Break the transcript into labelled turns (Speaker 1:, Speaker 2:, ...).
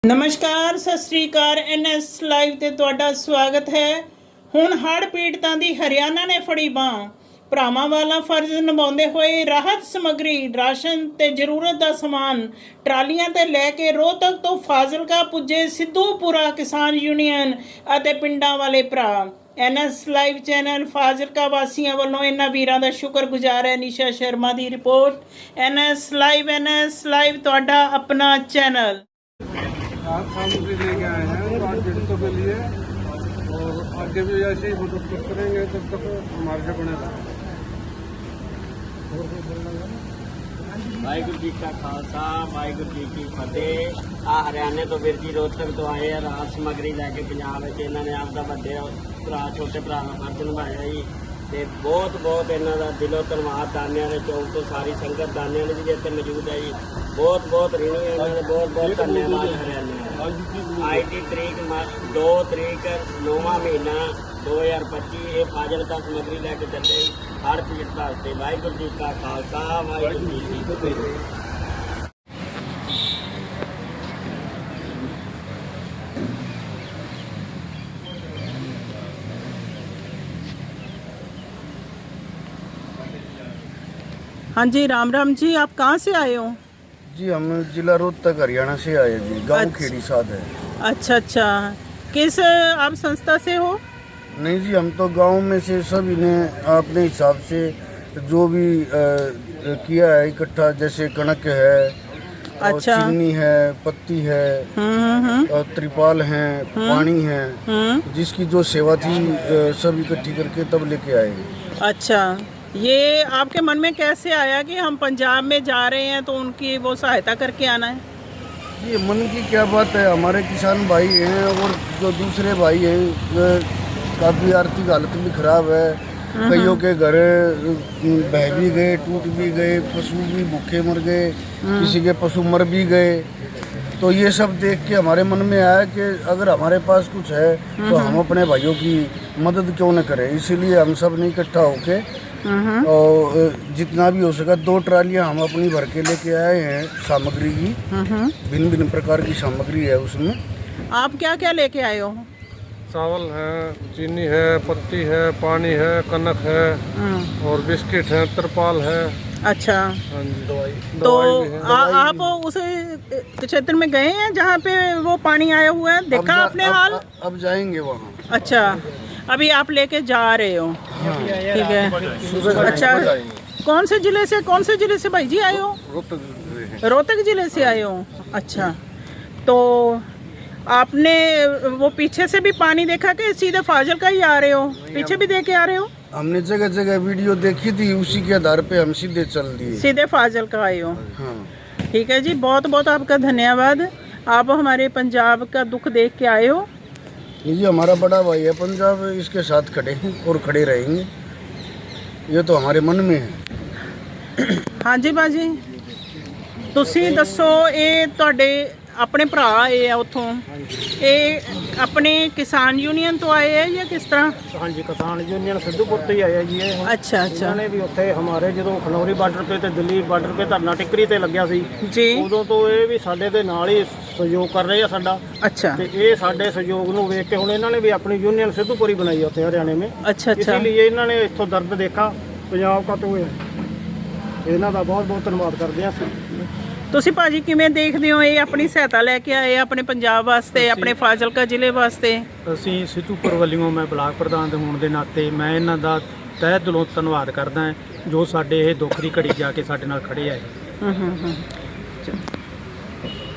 Speaker 1: ਨਮਸਕਾਰ, ਸਤਿ ਸ੍ਰੀ ਅਕਾਲ। NS live ਤੇ ਤੁਹਾਡਾ ਸਵਾਗਤ ਹੈ। ਹੁਣ ਹੜ੍ਹ ਪੀੜਤਾਂ ਦੀ ਹਰਿਆਣਾ ਨੇ ਫੜੀ ਬਾਂਹ। ਭਰਾਵਾਂ ਵਾਲਾ ਫਰਜ਼ ਨਿਭਾਉਂਦੇ ਹੋਏ ਰਾਹਤ ਸਮੱਗਰੀ, ਰਾਸ਼ਨ ਤੇ ਜ਼ਰੂਰਤ ਦਾ ਸਮਾਨ ਟਰਾਲੀਆਂ ਤੇ ਲੈ ਕੇ ਰੋਹਤਕ ਤੋਂ ਫਾਜ਼ਿਲਕਾ ਪੁੱਜੇ ਸਿੱਧੂਪੁਰਾ ਕਿਸਾਨ ਯੂਨੀਅਨ ਅਤੇ ਪਿੰਡਾਂ ਵਾਲੇ ਭਰਾ। NS ਲਾਈਵ ਚੈਨਲ ਫਾਜ਼ਿਲਕਾ ਵਾਸੀਆਂ ਵੱਲੋਂ ਇਹਨਾਂ ਵੀਰਾਂ ਦਾ ਸ਼ੁਕਰਗੁਜ਼ਾਰ ਹੈ। ਨਿਸ਼ਾ ਸ਼ਰਮਾ ਦੀ ਰਿਪੋर्ट। NS ਲਾਈਵ ਤੁਹਾਡਾ ਆਪਣਾ चैनल।
Speaker 2: आप सामग्री लेके आए हैं आज पीड़ितों के लिए और आगे भी ऐसे ही मदद करेंगे जब तक हमारे से बनेगा।
Speaker 3: ਵਾਹਿਗੁਰੂ ਜੀ ਕਾ ਖਾਲਸਾ ਵਾਹਿਗੁਰੂ ਜੀ ਕੀ ਫਤਿਹ। ਆ ਹਰਿਆਣੇ ਤੋਂ ਵੀਰ ਜੀ ਰੋਹਤਕ ਤੋਂ ਆਏ ਆ ਰਾਹਤ ਸਮੱਗਰੀ ਲੈ ਕੇ ਪੰਜਾਬ ਵਿੱਚ। ਇਹਨਾਂ ਨੇ ਆਪਦਾ ਵੱਡੇ ਭਰਾ ਛੋਟੇ ਭਰਾ ਦਾ ਫਰਜ਼ ਨਿਭਾਇਆ ਜੀ ਤੇ ਬਹੁਤ ਇਹਨਾਂ ਦਾ ਦਿਲੋਂ ਧੰਨਵਾਦ। ਦਾਨਿਆਂ ਦੇ ਚੌਕ ਤੋਂ ਸਾਰੀ ਸੰਗਤ ਦਾਨਿਆਂ ਦੀ ਵੀ ਇੱਥੇ ਮੌਜੂਦ ਹੈ ਜੀ। ਬਹੁਤ ऋणी ਇਹਨਾਂ ਦੇ ਬਹੁਤ ਧੰਨਵਾਦ ਹਰਿਆਣੇ। ਅੱਜ ਦੀ ਤਰੀਕ 2 ਤਰੀਕ 9ਵਾਂ ਮਹੀਨਾ 2025 ਇਹ ਫਾਜ਼ਿਲਕਾ ਸਮੱਗਰੀ ਲੈ ਕੇ ਚੱਲੇ ਹਰ ਪੀੜਤ ਵਾਸਤੇ। ਵਾਹਿਗੁਰੂ ਜੀ ਕਾ ਖਾਲਸਾ ਵਾਹਿਗੁਰੂ ਜੀ ਕੀ ਫਤਿਹ।
Speaker 1: हाँ जी, राम राम जी। आप कहाँ से आए हो?
Speaker 4: जी हम जिला रोहतक हरियाणा से आए जी। गांव
Speaker 1: अच्छा।
Speaker 4: खेड़ी साथ है।
Speaker 1: अच्छा, किस आप संस्था से हो?
Speaker 4: नहीं जी, हम तो गांव में से सभी ने अपने हिसाब से जो भी किया है इकट्ठा, जैसे कणक है और
Speaker 1: अच्छा।
Speaker 4: चीनी है, पत्ती है और त्रिपाल है, पानी है, जिसकी जो सेवा थी सब इकट्ठी करके तब लेके आए।
Speaker 1: अच्छा, ये आपके मन में कैसे आया कि हम पंजाब में जा रहे हैं तो उनकी वो सहायता करके आना है?
Speaker 4: ये मन की क्या बात है, हमारे किसान भाई हैं और जो दूसरे भाई हैं काफ़ी आर्थिक हालत भी खराब है। कईयों के घर बह भी गए, टूट भी गए, पशु भी भूखे मर गए, किसी के पशु मर भी गए। तो ये सब देख के हमारे मन में आया कि अगर हमारे पास कुछ है तो हम अपने भाइयों की मदद क्यों न करें। इसीलिए हम सब ने इकट्ठा होके और जितना भी हो सका 2 ट्रालियां हम अपनी भर के लेके आए हैं सामग्री की। भिन्न प्रकार की सामग्री है उसमें।
Speaker 1: आप क्या क्या लेके आए हो?
Speaker 2: चावल है, चीनी है, पत्ती है, पानी है, कनक है और बिस्किट है, त्रिपाल है।
Speaker 1: अच्छा,
Speaker 2: हाँ जी, दवाई
Speaker 1: तो
Speaker 2: भी है।
Speaker 1: आप उस क्षेत्र में गए हैं जहाँ पे वो पानी आया हुआ है? देखा आपने हाल?
Speaker 4: अब जाएंगे वहाँ।
Speaker 1: अच्छा, अभी आप लेके जा रहे हो? ठीक है। अच्छा, कौन से जिले से भाई जी आए हो? रोहतक जिले से आए हो। अच्छा, तो आपने वो पीछे से भी पानी देखा कि सीधे फाजिलका ही आ रहे हो? पीछे भी देख के आ रहे हो?
Speaker 4: हमने जगह जगह वीडियो देखी थी, उसी के आधार पे हम सीधे चल दिए।
Speaker 1: सीधे फाजिलका आए हो।
Speaker 4: हाँ।
Speaker 1: ठीक है जी, बहुत आपका धन्यवाद। आप हमारे पंजाब का दुख देख के आए हो।
Speaker 4: ये हमारा बड़ा भाई है पंजाब, इसके साथ खड़े हैं और खड़े रहेंगे। ये तो हमारे मन में है।
Speaker 1: हाँ जी बाजी, ਤੁਸੀਂ ਦੱਸੋ, ਇਹ ਤੁਹਾਡੇ ਆਪਣੇ ਭਰਾ ਆਏ ਆ ਉੱਥੋਂ, ਇਹ ਆਪਣੇ ਕਿਸਾਨ ਯੂਨੀਅਨ ਤੋਂ ਆਏ ਆ ਜਾਂ ਕਿਸ ਤਰ੍ਹਾਂ?
Speaker 5: हाँ जी, किसान यूनियन सिद्धूपुर से ही आया जी। ये
Speaker 1: अच्छा,
Speaker 5: उन्होंने भी उत्थे हमारे जो खनौरी बार्डर पे ते दिल्ली बार्डर पे धरना टिकरी ਤੇ ਲੱਗਿਆ ਸੀ
Speaker 1: जी।
Speaker 5: ਉਦੋਂ ਤੋਂ ਇਹ ਵੀ ਸਾਡੇ ਦੇ ਨਾਲ ਹੀ ਸਹਿਯੋਗ ਕਰ ਰਹੇ ਆ ਸਾਡਾ।
Speaker 1: अच्छा
Speaker 5: ਤੇ ਇਹ ਸਾਡੇ ਸਹਿਯੋਗ ਨੂੰ ਵੇਖ ਕੇ ਹੁਣ ਇਹਨਾਂ ਨੇ ਵੀ ਆਪਣੀ ਯੂਨੀਅਨ ਸਿੱਧੂਪੁਰ ਹੀ ਬਣਾਈ ਉੱਥੇ ਹਰਿਆਣੇ में।
Speaker 1: अच्छा।
Speaker 5: ਇसीलिए ਇਹਨਾਂ ਨੇ ਇੱਥੋਂ ਦਰਦ ਦੇਖਾ ਪੰਜਾਬ ਦਾ, ਤੋਂ ਇਹਨਾਂ ਦਾ ਬਹੁਤ ਧੰਨਵਾਦ ਕਰਦੇ ਆ।
Speaker 1: ਤੁਸੀਂ ਭਾਜੀ ਕਿਵੇਂ ਦੇਖਦੇ ਹੋ, ਇਹ ਆਪਣੀ ਸਹਾਇਤਾ ਲੈ ਕੇ ਆਏ ਆਪਣੇ ਪੰਜਾਬ ਵਾਸਤੇ, ਆਪਣੇ ਫਾਜ਼ਿਲਕਾ ਜ਼ਿਲ੍ਹੇ ਵਾਸਤੇ?
Speaker 6: ਅਸੀਂ ਸਿੱਧੂਪੁਰ ਵੱਲੋਂ ਮੈਂ ਬਲਾਕ ਪ੍ਰਧਾਨ ਦੇ ਹੋਣ ਦੇ ਨਾਤੇ ਮੈਂ ਇਹਨਾਂ ਦਾ ਤਹਿ ਦਿਲੋਂ ਧੰਨਵਾਦ ਕਰਦਾ ਹਾਂ ਜੋ ਸਾਡੇ ਇਹ ਦੁੱਖ ਦੀ ਘੜੀ ਜਾ ਕੇ ਸਾਡੇ ਨਾਲ ਖੜੇ ਆਏ।